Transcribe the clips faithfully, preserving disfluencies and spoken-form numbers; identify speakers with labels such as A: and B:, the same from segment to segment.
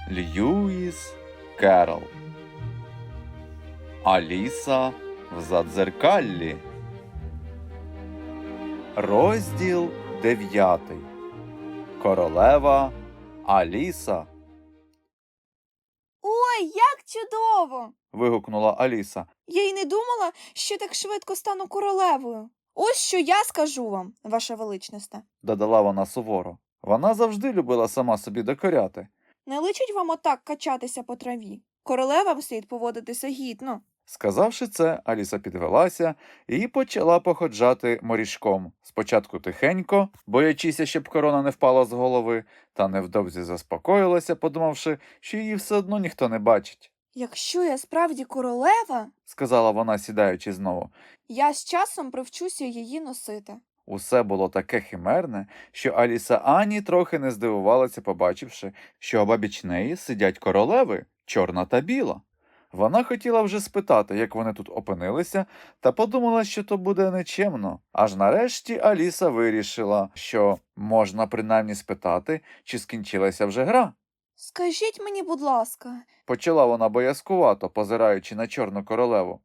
A: Льюіс Керрол. Аліса в задзеркаллі. Розділ дев'ятий. Королева Аліса.
B: Ой, як чудово!
A: Вигукнула Аліса.
B: Я й не думала, що так швидко стану королевою. Ось що я скажу вам, ваша величність.
A: Додала вона суворо. Вона завжди любила сама собі докоряти.
B: Не личить вам отак качатися по траві. Королевам слід поводитися гідно.
A: Сказавши це, Аліса підвелася і почала походжати морішком. Спочатку тихенько, боячися, щоб корона не впала з голови, та невдовзі заспокоїлася, подумавши, що її все одно ніхто не бачить.
B: Якщо я справді королева,
A: Сказала вона, сідаючи знову.
B: я з часом привчуся її носити.
A: Усе було таке химерне, що Аліса ані трохи не здивувалася, побачивши, що обабіч неї сидять королеви, чорна та біла. Вона хотіла вже спитати, як вони тут опинилися, та подумала, що то буде нечемно. Аж нарешті Аліса вирішила, що можна принаймні спитати, чи скінчилася вже гра.
B: Скажіть мені, будь ласка,
A: Почала вона боязкувато, позираючи на чорну королеву.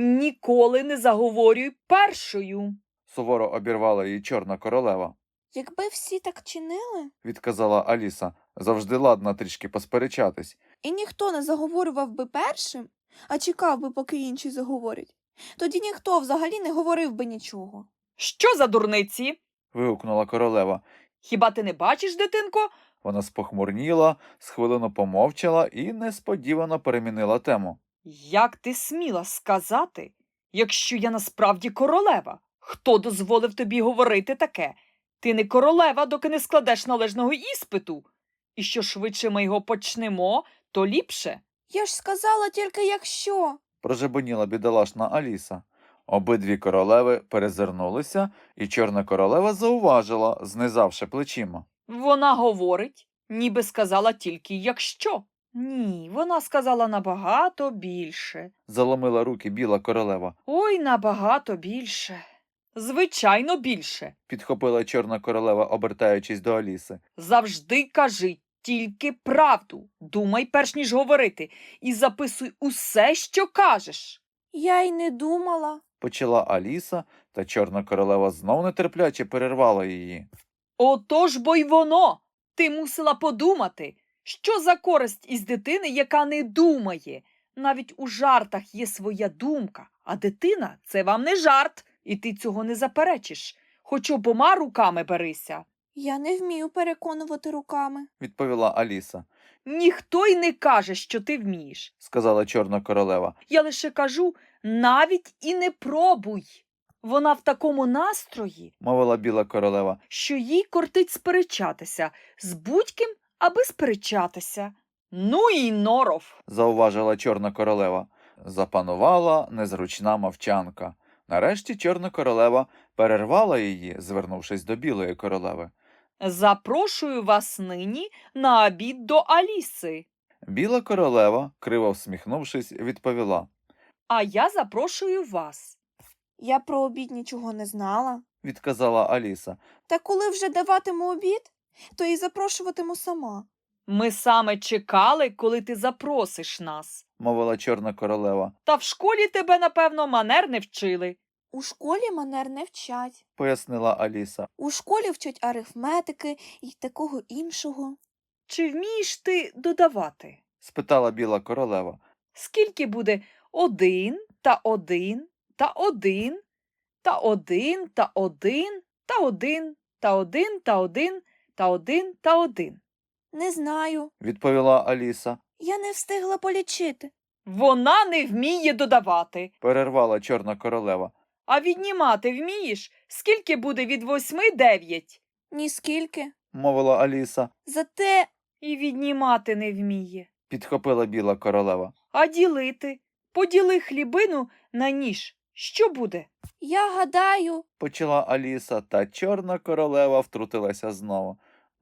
C: Ніколи не заговорюй першою.
A: Суворо обірвала її чорна королева.
B: якби всі так чинили,
A: Відказала Аліса, завжди ладна трішки посперечатись.
B: і ніхто не заговорював би першим, а чекав би, поки інші заговорять, тоді ніхто взагалі не говорив би нічого.
C: Що за дурниці?
A: Вигукнула королева.
C: Хіба ти не бачиш, дитинко?
A: Вона спохмурніла, з хвилину помовчала і несподівано перемінила тему.
C: Як ти сміла сказати, якщо я насправді королева? Хто дозволив тобі говорити таке? Ти не королева, доки не складеш належного іспиту. І що швидше ми його почнемо, то ліпше.
B: Я ж сказала тільки якщо.
A: Прожебоніла бідолашна Аліса. Обидві королеви перезирнулися, і чорна королева зауважила, знизавши плечима.
C: Вона говорить, ніби сказала тільки якщо. Ні, вона сказала набагато більше.
A: Заломила руки біла королева.
C: Ой, набагато більше. Звичайно, більше.
A: Підхопила чорна королева, обертаючись до Аліси.
C: Завжди кажи тільки правду. Думай, перш ніж говорити, і записуй усе, що кажеш.
B: Я й не думала.
A: Почала Аліса, та чорна королева знов нетерпляче перервала її.
C: Отож бо й воно. Ти мусила подумати, що за користь із дитини, яка не думає. Навіть у жартах є своя думка, а дитина – це вам не жарт, і ти цього не заперечиш. Хоч обома руками берися.
B: Я не вмію переконувати руками.
A: Відповіла Аліса.
C: Ніхто й не каже, що ти вмієш.
A: Сказала чорна королева.
C: Я лише кажу, навіть і не пробуй. Вона в такому настрої,
A: Мовила біла королева.
C: що їй кортить сперечатися з будь-ким, аби сперечатися. Ну і норов.
A: Зауважила чорна королева. Запанувала незручна мовчанка. Нарешті чорна королева перервала її, звернувшись до білої королеви.
C: Запрошую вас нині на обід до Аліси.
A: Біла королева, криво всміхнувшись, відповіла.
C: А я запрошую вас.
B: Я про обід нічого не знала.
A: Відказала Аліса.
B: Та коли вже даватиму обід, то і запрошуватиму сама.
C: Ми саме чекали, коли ти запросиш нас.
A: Мовила чорна королева.
C: Та в школі тебе, напевно, манер не вчили.
B: У школі манер не вчать.
A: Пояснила Аліса.
B: У школі вчать арифметики і такого іншого.
C: Чи вмієш ти додавати?
A: Спитала біла королева.
C: Скільки буде один та один та один та один та один та один та один та один та один та один?
B: Не знаю.
A: Відповіла Аліса.
B: Я не встигла полічити.
C: Вона не вміє додавати.
A: Перервала чорна королева.
C: А віднімати вмієш? Скільки буде від восьми дев'ять?
B: Ніскільки.
A: Мовила Аліса.
B: Зате
C: І віднімати не вміє.
A: Підхопила біла королева.
C: А ділити? Поділи хлібину на ніж. Що буде?
B: я гадаю,
A: Почала Аліса, та чорна королева втрутилася знову.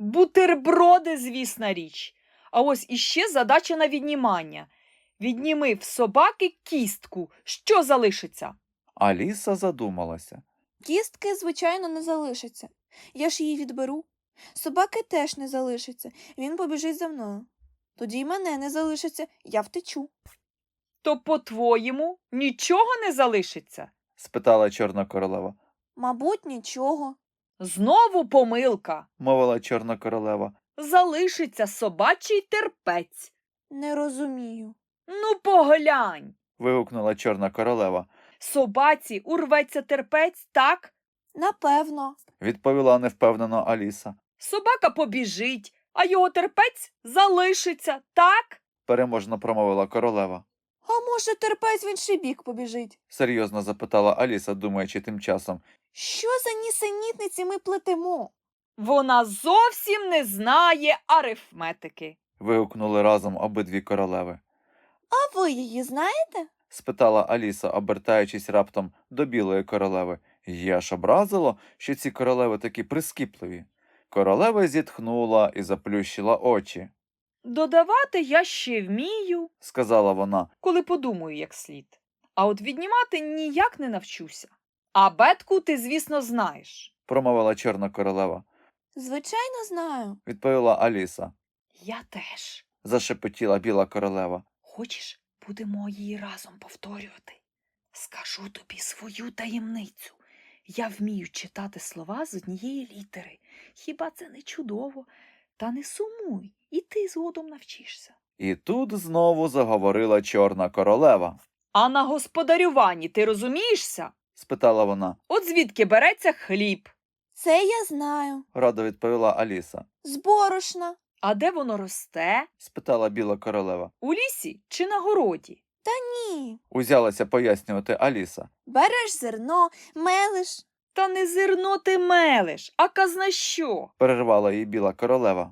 C: Бутерброди, звісна річ. А ось іще задача на віднімання. Відніми в собаки кістку. Що залишиться?
A: Аліса задумалася.
B: кістки, звичайно, не залишиться. Я ж її відберу. Собаки теж не залишиться. Він побіжить за мною. Тоді й мене не залишиться, я втечу.
C: То, по-твоєму, нічого не залишиться?
A: спитала Чорна королева.
B: Мабуть, нічого.
C: Знову помилка.
A: Мовила Чорна королева.
C: Залишиться собачий терпець.
B: Не розумію.
C: Ну, поглянь.
A: Вигукнула Чорна королева.
C: Собаці урветься терпець, так?
B: Напевно.
A: Відповіла невпевнено Аліса.
C: Собака побіжить, а його терпець залишиться, так?
A: Переможно промовила королева.
B: А може, терпець в інший бік побіжить?
A: Серйозно запитала Аліса, думаючи тим часом.
B: Що за нісенітниці ми плетемо?
C: Вона зовсім не знає арифметики.
A: Вигукнули разом обидві королеви.
B: А ви її знаєте?
A: Спитала Аліса, обертаючись раптом до білої королеви. Її аж образило, що ці королеви такі прискіпливі. Королева зітхнула і заплющила очі.
C: Додавати я ще вмію,
A: Сказала вона.
C: коли подумаю як слід. А от віднімати ніяк не навчуся. А бетку ти, звісно, знаєш.
A: Промовила Чорна королева.
B: Звичайно, знаю.
A: Відповіла Аліса.
C: Я теж.
A: Зашепотіла біла королева.
C: Хочеш, будемо її разом повторювати? Скажу тобі свою таємницю. Я вмію читати слова з однієї літери. Хіба це не чудово? Та не сумуй, і ти згодом навчишся.
A: І тут знову заговорила Чорна королева.
C: А на господарюванні ти розумієшся?
A: Спитала вона.
C: От звідки береться хліб?
B: Це я знаю.
A: Радо відповіла Аліса.
B: З борошна.
C: А де воно росте?
A: Спитала біла королева.
C: У лісі чи на городі?
B: Ні.
A: Узялася пояснювати Аліса.
B: Береш зерно, мелиш.
C: Та не зерно ти мелеш, а казна що?
A: Перервала її біла королева.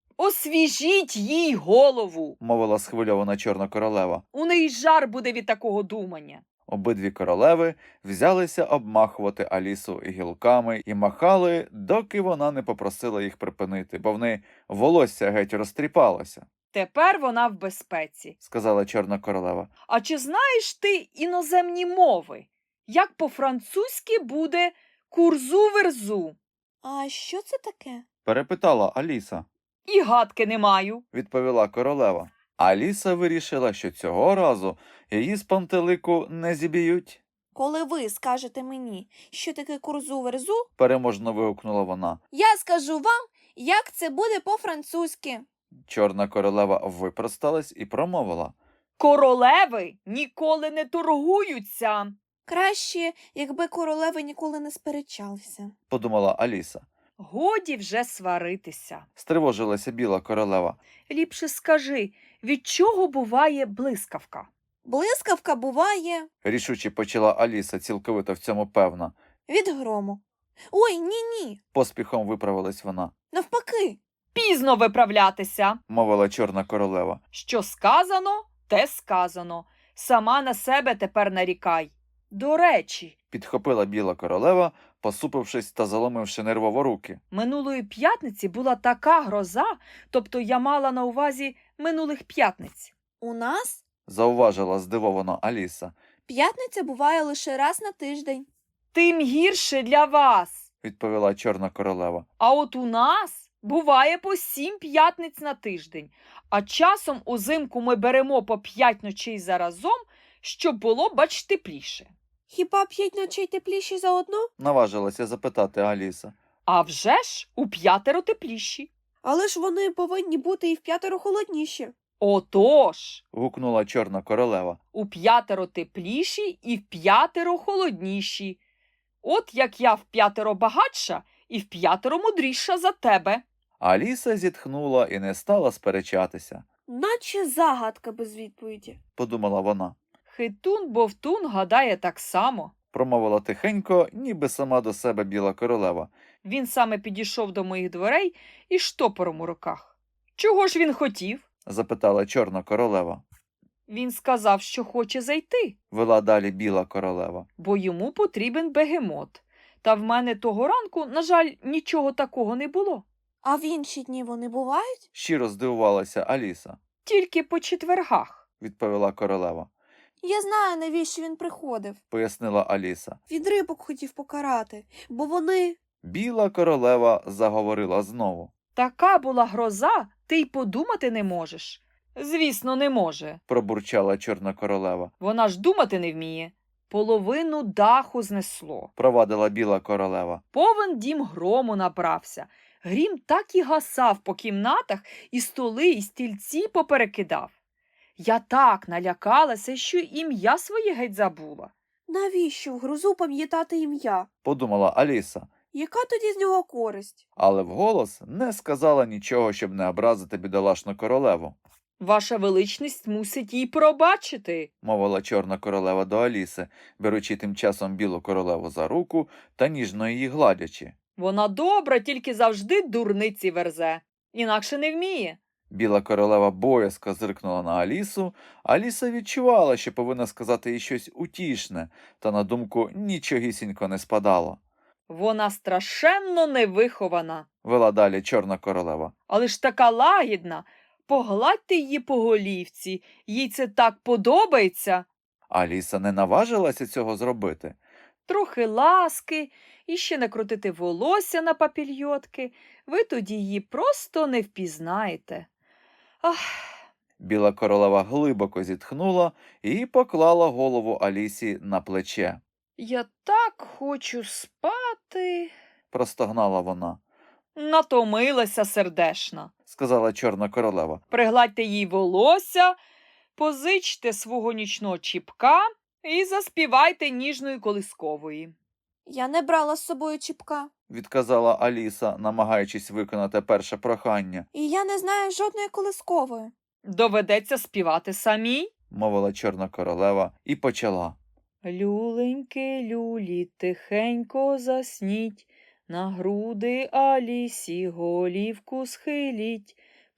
C: Освіжіть їй голову.
A: Мовила схвильована Чорна королева.
C: У неї жар буде від такого думання.
A: Обидві королеви взялися обмахувати Алісу гілками і махали, доки вона не попросила їх припинити, бо в неї волосся геть розтріпалося,
C: Тепер вона в безпеці.
A: сказала Чорна королева.
C: А чи знаєш ти іноземні мови? Як по-французьки буде курзу-верзу?
B: А що це таке?
A: Перепитала Аліса.
C: І гадки не маю.
A: Відповіла королева. Аліса вирішила, що цього разу її з пантелику не зіб'ють.
B: Коли ви скажете мені, що таке курзу-верзу,
A: Переможно вигукнула вона.
B: я скажу вам, як це буде по-французьки.
A: Чорна королева випросталась і промовила.
C: Королеви ніколи не торгуються.
B: Краще, якби королеви ніколи не сперечалися.
A: Подумала Аліса.
C: Годі вже сваритися.
A: Стривожилася біла королева.
C: Ліпше скажи, від чого буває блискавка?
B: Блискавка буває
A: Рішуче почала Аліса, цілковито в цьому певна.
B: від грому. Ой, ні-ні,
A: Поспіхом виправилась вона.
B: навпаки.
C: Пізно виправлятися.
A: Мовила Чорна королева.
C: Що сказано, те сказано. Сама на себе тепер нарікай. До речі,
A: Підхопила біла королева, посупившись та заломивши нервово руки.
C: минулої п'ятниці була така гроза, тобто я мала на увазі минулих п'ятниць.
B: У нас
A: Зауважила здивовано Аліса.
B: п'ятниця буває лише раз на тиждень.
C: Тим гірше для вас.
A: Відповіла Чорна королева.
C: А от у нас буває по сім п'ятниць на тиждень, а часом узимку ми беремо по п'ять ночей заразом, щоб було, бач, тепліше.
B: Хіба п'ять ночей тепліші за одну?
A: Наважилася запитати Аліса.
C: А вже ж у п'ятеро тепліші.
B: Але ж вони повинні бути і в п'ятеро холодніші.
C: Отож,
A: Гукнула Чорна королева.
C: у п'ятеро тепліші і в п'ятеро холодніші. От як я в п'ятеро багатша і в п'ятеро мудріша за тебе.
A: Аліса зітхнула і не стала сперечатися.
B: Наче загадка без відповіді.
A: Подумала вона.
C: Хитун-бовтун гадає так само.
A: Промовила тихенько, ніби сама до себе біла королева.
C: Він саме підійшов до моїх дверей із штопором у руках. Чого ж він хотів?
A: Запитала Чорна королева.
C: Він сказав, що хоче зайти,
A: Вела далі біла королева.
C: бо йому потрібен бегемот. Та в мене того ранку, на жаль, нічого такого не було.
B: А в інші дні вони бувають?
A: Щиро здивувалася Аліса.
C: Тільки по четвергах.
A: Відповіла королева.
B: Я знаю, навіщо він приходив.
A: Пояснила Аліса.
B: Від рибок хотів покарати, бо вони...
A: Біла королева заговорила знову.
C: Така була гроза, ти й подумати не можеш. Звісно, не може.
A: Пробурчала Чорна королева.
C: Вона ж думати не вміє. Половину даху знесло.
A: Провадила Біла королева.
C: Повен дім грому набрався. Грім так і гасав по кімнатах, і столи, і стільці поперекидав. Я так налякалася, що ім'я своє геть забула.
B: Навіщо в грозу пам'ятати ім'я?
A: Подумала Аліса,
B: Яка тоді з нього користь?
A: але вголос не сказала нічого, щоб не образити бідолашну королеву.
C: Ваша величність мусить їй пробачити.
A: Мовила Чорна королева до Аліси, беручи тим часом Білу королеву за руку та ніжно її гладячи.
C: Вона добра, тільки завжди дурниці верзе. Інакше не вміє.
A: Біла королева боязко зиркнула на Алісу. Аліса відчувала, що повинна сказати їй щось утішне, та на думку нічогісінько не спадало.
C: Вона страшенно невихована.
A: Вела далі Чорна королева.
C: Але ж така лагідна. Погладьте її по голівці. Їй це так подобається.
A: Аліса не наважилася цього зробити.
C: Трохи ласки, і ще накрутити волосся на папільйотки. Ви тоді її просто не впізнаєте. Ах,
A: Біла королева глибоко зітхнула і поклала голову Алісі на плече.
C: я так хочу спати.
A: Простогнала вона.
C: Натомилася сердешна.
A: Сказала Чорна королева.
C: Пригладьте їй волосся, позичте свого нічного чіпка і заспівайте ніжної колискової.
B: Я не брала з собою чіпка.
A: Відказала Аліса, намагаючись виконати перше прохання.
B: І я не знаю жодної колискової.
C: Доведеться співати самій.
A: Мовила Чорна королева і почала.
C: Люленьки, люлі, тихенько засніть, на груди Алісі голівку схиліть,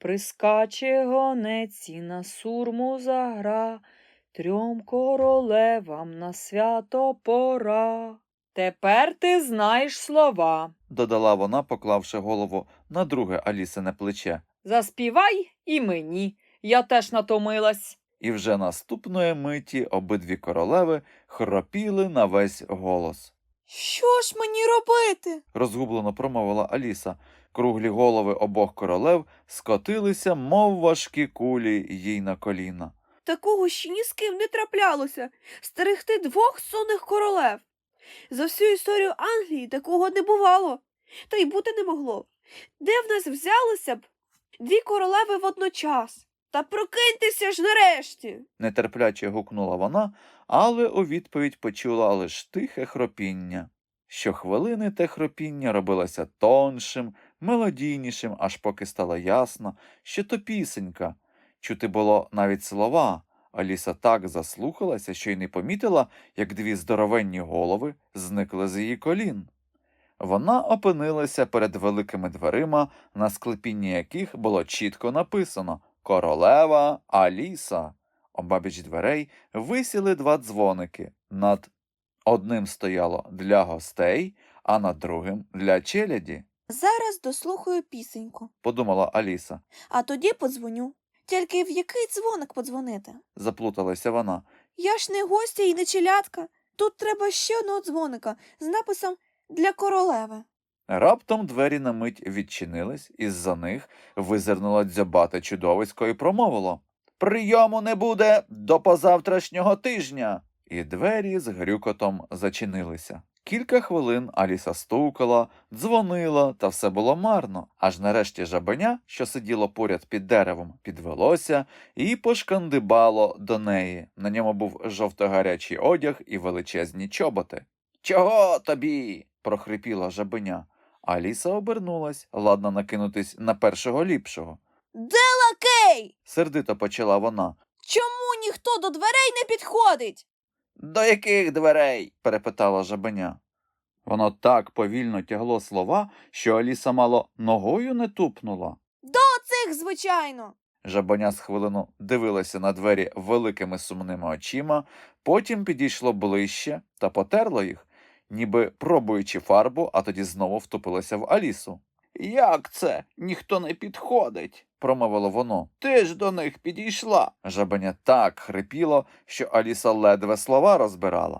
C: прискаче гонець і на сурму загра, трьом королевам на свято пора. Тепер ти знаєш слова.
A: Додала вона, поклавши голову на друге Алісине плече.
C: Заспівай і мені. Я теж натомилась.
A: І вже наступної миті обидві королеви хропіли на весь голос.
B: Що ж мені робити?
A: Розгублено промовила Аліса. Круглі голови обох королев скотилися, мов важкі кулі, їй на коліна.
B: Такого ще ні з ким не траплялося. Стерегти двох сонних королев. За всю історію Англії такого не бувало. Та й бути не могло. Де в нас взялися б дві королеви водночас? Та прокиньтеся ж нарешті.
A: Нетерпляче гукнула вона, але у відповідь почула лиш тихе хропіння. Щохвилини те хропіння робилося тоншим, мелодійнішим, аж поки стало ясно, що то пісенька. Чути було навіть слова. Аліса так заслухалася, що й не помітила, як дві здоровенні голови зникли з її колін. Вона опинилася перед великими дверима, на склепінні яких було чітко написано «Королева Аліса». Обабіч дверей висіли два дзвоники. Над одним стояло «Для гостей», а над другим «Для челяді»,
B: Зараз дослухаю пісеньку,
A: подумала Аліса.
B: а тоді подзвоню. Тільки в який дзвоник подзвонити?
A: Заплуталася вона.
B: Я ж не гостя і не челядка. Тут треба ще одного дзвоника з написом «Для королеви».
A: Раптом двері на мить відчинились, і з-за них визирнуло дзьобате чудовисько і промовило «Прийому не буде до позавтрашнього тижня!» І двері з грюкотом зачинилися. Кілька хвилин Аліса стукала, дзвонила, та все було марно. Аж нарешті жабеня, що сиділо поряд під деревом, підвелося і пошкандибало до неї. На ньому був жовто-гарячий одяг і величезні чоботи. «Чого тобі?» – прохрипіла жабеня. Аліса обернулась, ладна накинутись на першого ліпшого.
B: Де лакей?
A: Сердито почала вона.
B: Чому ніхто до дверей не підходить?
A: «До яких дверей?» – перепитала жабеня. Воно так повільно тягло слова, що Аліса мало ногою не тупнула.
B: Цих, звичайно.
A: Жабеня з хвилину дивилася на двері великими сумними очима, потім підійшло ближче та потерло їх, ніби пробуючи фарбу, а тоді знову втупилося в Алісу. «Як це? Ніхто не підходить?» – промовило воно. «Ти ж до них підійшла!» Жабеня так хрипіло, що Аліса ледве слова розбирала.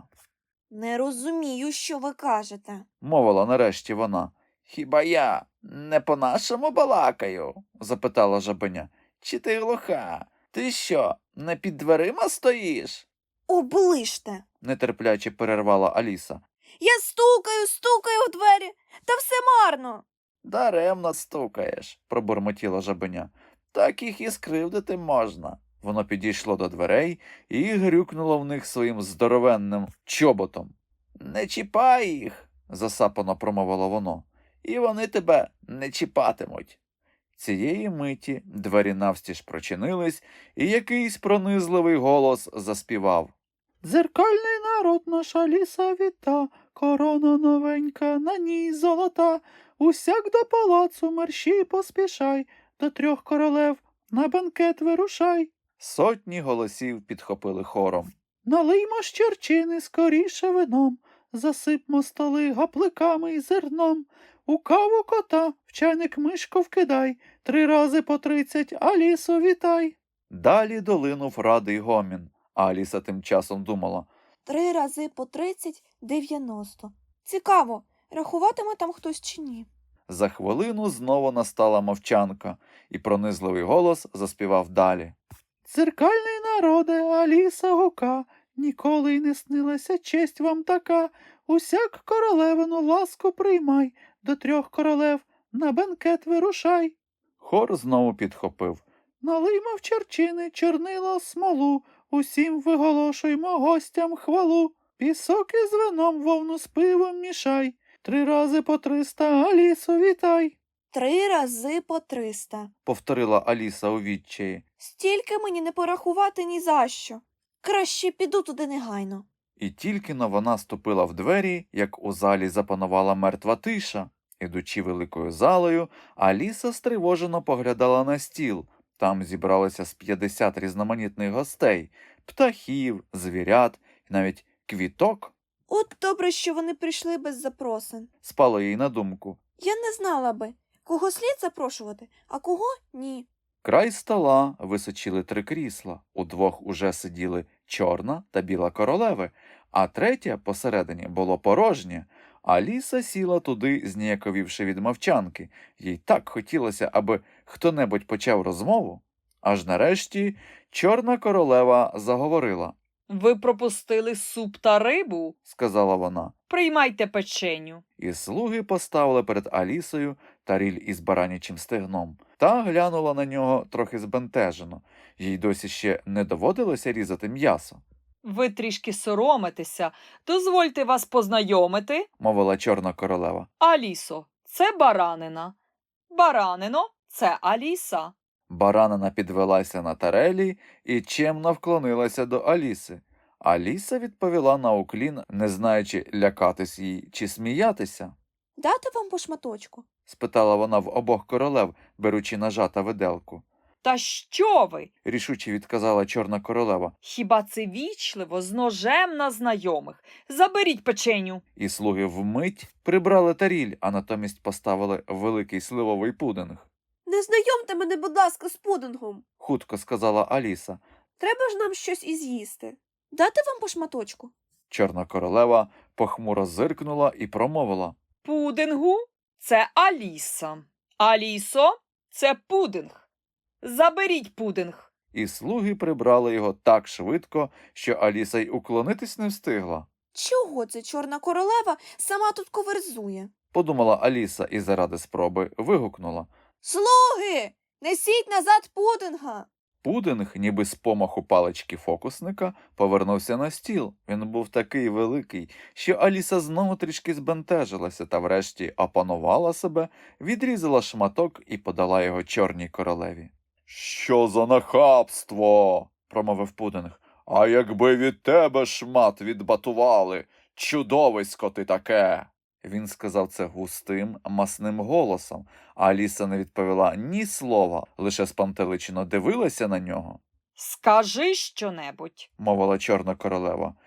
B: Не розумію, що ви кажете.
A: Мовила нарешті вона. «Хіба я не по-нашому балакаю?» – запитала жабеня. «Чи ти глуха? Ти що, не під дверима стоїш?
B: Оближте.
A: Нетерпляче перервала Аліса.
B: Я стукаю, стукаю в двері, та все марно.
A: Даремно стукаєш, пробурмотіла жабеня. Так їх і скривдити можна. Воно підійшло до дверей і грюкнуло в них своїм здоровенним чоботом. Не чіпай їх, засапано промовило воно, і вони тебе не чіпатимуть. Цієї миті двері навстіж прочинились, і якийсь пронизливий голос заспівав. Дзеркальний народ наша ліса віта, корона новенька, на ній золота. Усяк до палацу мерщій поспішай, до трьох королев на бенкет вирушай. Сотні голосів підхопили хором. Налиймо з чорчини скоріше вином, засипмо столи гапликами й зерном. У каву кота в чайник мишку вкидай, три рази по тридцять Алісу вітай. Далі долинув радий гомін, а Аліса тим часом думала.
B: Три рази по тридцять – дев'яносто. Цікаво, рахуватиме там хтось чи ні.
A: За хвилину знову настала мовчанка, і пронизливий голос заспівав далі. Церкальний народе, Аліса гука, ніколи й не снилася честь вам така. Усяк королевину ласку приймай, до трьох королев на бенкет вирушай. Хор знову підхопив. Налиймо в чорчини чорнило смолу, усім виголошуймо гостям хвалу. Пісок із вином вовну з пивом мішай, три рази по триста Алісу вітай.
B: Три рази по триста.
A: Повторила Аліса у відчаї.
B: Стільки мені не порахувати ні за що. Краще піду туди негайно.
A: І тільки-но вона ступила в двері, як у залі запанувала мертва тиша. Ідучи великою залою, Аліса стривожено поглядала на стіл. Там зібралося з п'ятдесят різноманітних гостей – птахів, звірят і навіть квіток.
B: От добре, що вони прийшли без запросин.
A: Спало їй на думку.
B: Я не знала би, кого слід запрошувати, а кого – ні.
A: Край стола височили три крісла. Удвох уже сиділи чорна та біла королеви, а третє посередині було порожнє. Аліса сіла туди, зніяковівши від мовчанки. Їй так хотілося, аби хто-небудь почав розмову. Аж нарешті чорна королева заговорила.
C: Ви пропустили суп та рибу?
A: Сказала вона.
C: Приймайте печеню.
A: І слуги поставили перед Алісою таріль із баранячим стегном. Та глянула на нього трохи збентежено. Їй досі ще не доводилося різати м'ясо.
C: Ви трішки соромитеся. Дозвольте вас познайомити.
A: Мовила чорна королева.
C: Алісо, це баранина. Баранино, це Аліса.
A: Баранина підвелася на тарелі і чемно вклонилася до Аліси. Аліса відповіла на уклін, не знаючи, лякатись їй чи сміятися.
B: Дати вам по шматочку?
A: Спитала вона в обох королев, беручи ножа та виделку.
C: Та що ви?
A: Рішуче відказала чорна королева.
C: Хіба це вічливо з ножем на знайомих? Заберіть печеню.
A: І слуги вмить прибрали таріль, а натомість поставили великий сливовий пудинг.
B: Не знайомте мене, будь ласка, з пудингом.
A: Хутко сказала Аліса.
B: Треба ж нам щось і з'їсти. Дати вам по шматочку?
A: Чорна королева похмуро зиркнула і промовила.
C: Пудингу – це Аліса. Алісо – це пудинг. Заберіть пудинг.
A: І слуги прибрали його так швидко, що Аліса й уклонитись не встигла.
B: Чого це чорна королева сама тут коверзує?
A: Подумала Аліса і заради спроби вигукнула.
B: Слуги! Несіть назад пудинга!
A: Пудинг, ніби з помаху палички фокусника, повернувся на стіл. Він був такий великий, що Аліса знову трішки збентежилася та врешті опанувала себе, відрізала шматок і подала його чорній королеві. «Що за нахабство!» – промовив пудинг. «А якби від тебе шмат відбатували! Чудовисько ти таке!» Він сказав це густим, масним голосом, а Аліса не відповіла ні слова, лише спантеличено дивилася на нього.
C: Скажи щонебудь.
A: Мовила чорна королева.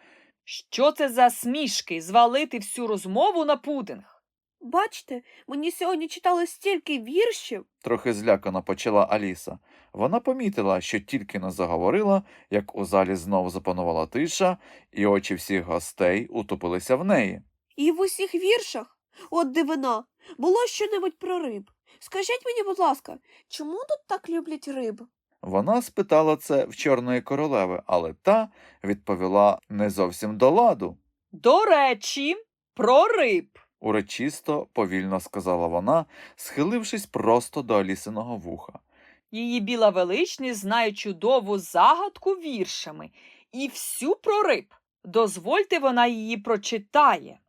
C: Що це за смішки звалити всю розмову на пудинг?
B: Бачите, мені сьогодні читали стільки віршів.
A: Трохи злякано почала Аліса. Вона помітила, що тільки не заговорила, як у залі знов запанувала тиша, і очі всіх гостей утопилися в неї.
B: І в усіх віршах, от дивина, було щонебудь про риб. Скажіть мені, будь ласка, чому тут так люблять риб?
A: Вона спитала це в Чорної королеви, але та відповіла не зовсім до ладу.
C: До речі, про риб.
A: Урочисто, повільно сказала вона, схилившись просто до Алісиного вуха.
C: Її біла величність знає чудову загадку віршами і всю про риб. Дозвольте, вона її прочитає.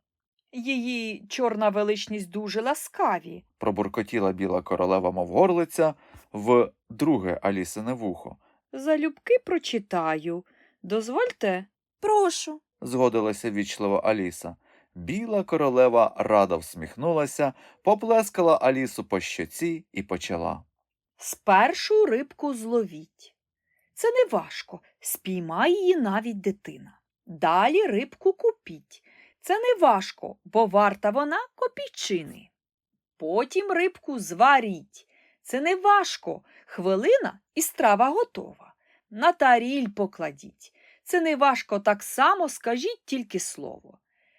C: Її чорна величність дуже ласкаві.
A: Пробуркотіла біла королева, мов горлиця, в друге Алісине вухо.
C: Залюбки прочитаю. Дозвольте.
B: Прошу.
A: Згодилася вічливо Аліса. Біла королева радо всміхнулася, поплескала Алісу по щоці і почала.
C: Спершу рибку зловіть. Це не важко, спіймає її навіть дитина. Далі рибку купіть. Це не важко, бо варта вона копійчини. Потім рибку зваріть. Це не важко, хвилина і страва готова. На таріль покладіть. Це не важко, так само скажіть тільки слово.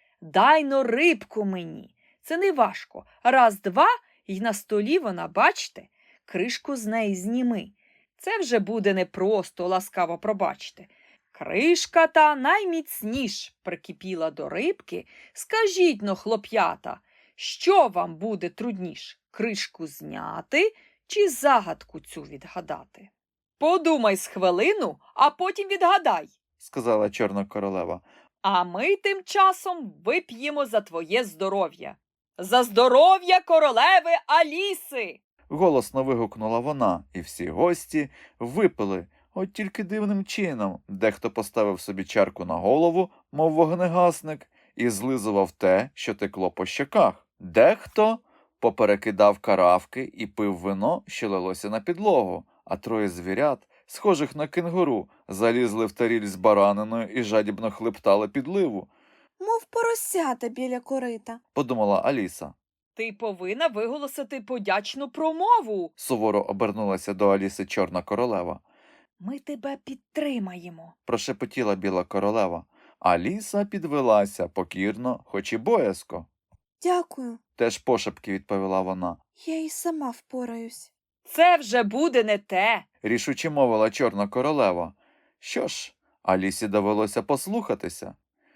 C: Дай-но рибку мені. Це не важко. Раз, два, і на столі вона, бачте, кришку з неї зніми. Це вже буде непросто, ласкаво пробачте. Кришка та найміцніш прикипіла до рибки. Скажіть-но, хлоп'ята, що вам буде трудніш? Кришку зняти чи загадку цю відгадати? Подумай з хвилину, а потім відгадай.
A: Сказала Чорна королева.
C: А ми тим часом вип'ємо за твоє здоров'я. За здоров'я королеви Аліси!
A: Голосно вигукнула вона, і всі гості випили, от тільки дивним чином. Дехто поставив собі чарку на голову, мов вогнегасник, і злизував те, що текло по щоках. Дехто поперекидав каравки і пив вино, що лилося на підлогу, а троє звірят, схожих на кенгуру, залізли в таріль з бараниною і жадібно хлептали підливу,
B: Мов поросята біля корита.
A: подумала Аліса.
C: Ти повинна виголосити подячну промову.
A: Суворо обернулася до Аліси Чорна королева.
C: Ми тебе підтримаємо.
A: Прошепотіла біла королева. Аліса підвелася покірно, хоч і боязко.
B: Дякую.
A: Теж пошепки відповіла вона.
B: Я і сама впораюсь.
C: Це вже буде не те.
A: Рішуче мовила Чорна королева. Що ж, Алісі довелося послухатися,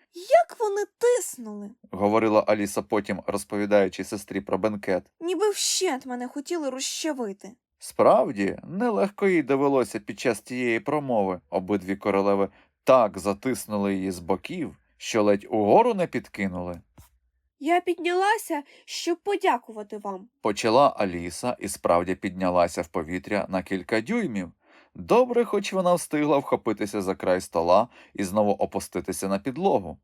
B: Як вони тиснули,
A: говорила Аліса потім, розповідаючи сестрі про бенкет.
B: ніби вщент мене хотіли розчавити.
A: Справді, нелегко їй довелося під час тієї промови. Обидві королеви так затиснули її з боків, що ледь угору не підкинули.
B: Я піднялася, щоб подякувати вам.
A: Почала Аліса і справді піднялася в повітря на кілька дюймів. Добре, хоч вона встигла вхопитися за край стола і знову опуститися на підлогу.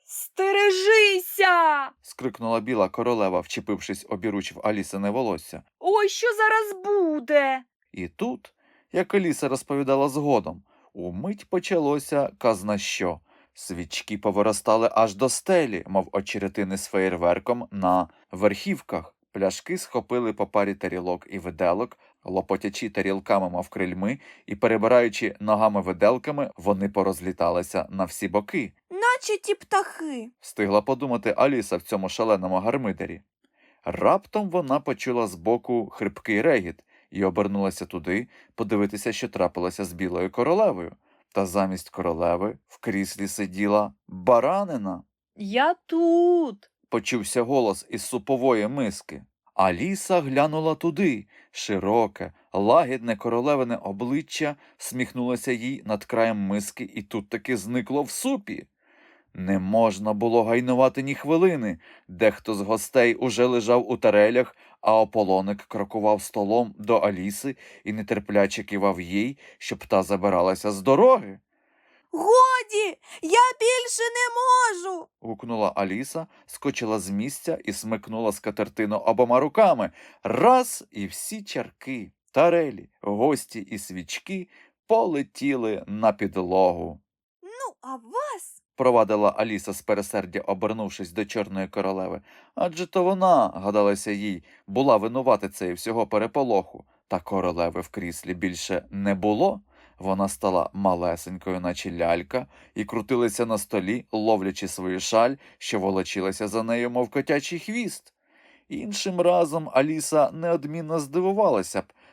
C: Стережися!
A: Скрикнула біла королева, вчепившись обіруч в Алісине волосся.
C: Ой, що зараз буде?
A: І тут, як Аліса розповідала згодом, умить почалося казна що. Свічки повиростали аж до стелі, мов очеретини з феєрверком на верхівках. Пляшки схопили по парі тарілок і виделок, лопотячи тарілками, мов крильми, і перебираючи ногами-виделками, вони порозліталися на всі боки.
B: Наче ті птахи.
A: Встигла подумати Аліса в цьому шаленому гармидері. Раптом вона почула збоку хрипкий регіт і обернулася туди подивитися, що трапилося з білою королевою. Та замість королеви в кріслі сиділа баранина.
C: Я тут.
A: Почувся голос із супової миски. Аліса глянула туди. Широке, лагідне королевине обличчя сміхнулося їй над краєм миски і тут таки зникло в супі. Не можна було гайнувати ні хвилини. Дехто з гостей уже лежав у тарелях, а ополоник крокував столом до Аліси і нетерпляче кивав їй, щоб та забиралася з дороги.
B: Годі! Я більше не можу.
A: Гукнула Аліса, скочила з місця і смикнула скатертину обома руками. Раз, і всі чарки, тарелі, гості і свічки полетіли на підлогу.
B: Ну, а вас?
A: Провадила Аліса з пересердя, обернувшись до Чорної королеви. Адже то вона, гадалося їй, була винуватицею всього переполоху. Та королеви в кріслі більше не було. Вона стала малесенькою, наче лялька, і крутилася на столі, ловлячи свою шаль, що волочилася за нею, мов котячий хвіст. Іншим разом Аліса неодмінно здивувалася б,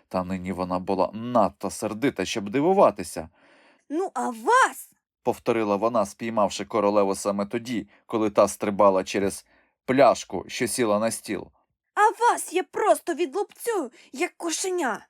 A: Та нині вона була надто сердита, щоб дивуватися.
B: Ну, а вас?
A: Повторила вона, спіймавши королеву саме тоді, коли та стрибала через пляшку, що сіла на стіл.
B: А вас я просто відлупцюю, як кошеня.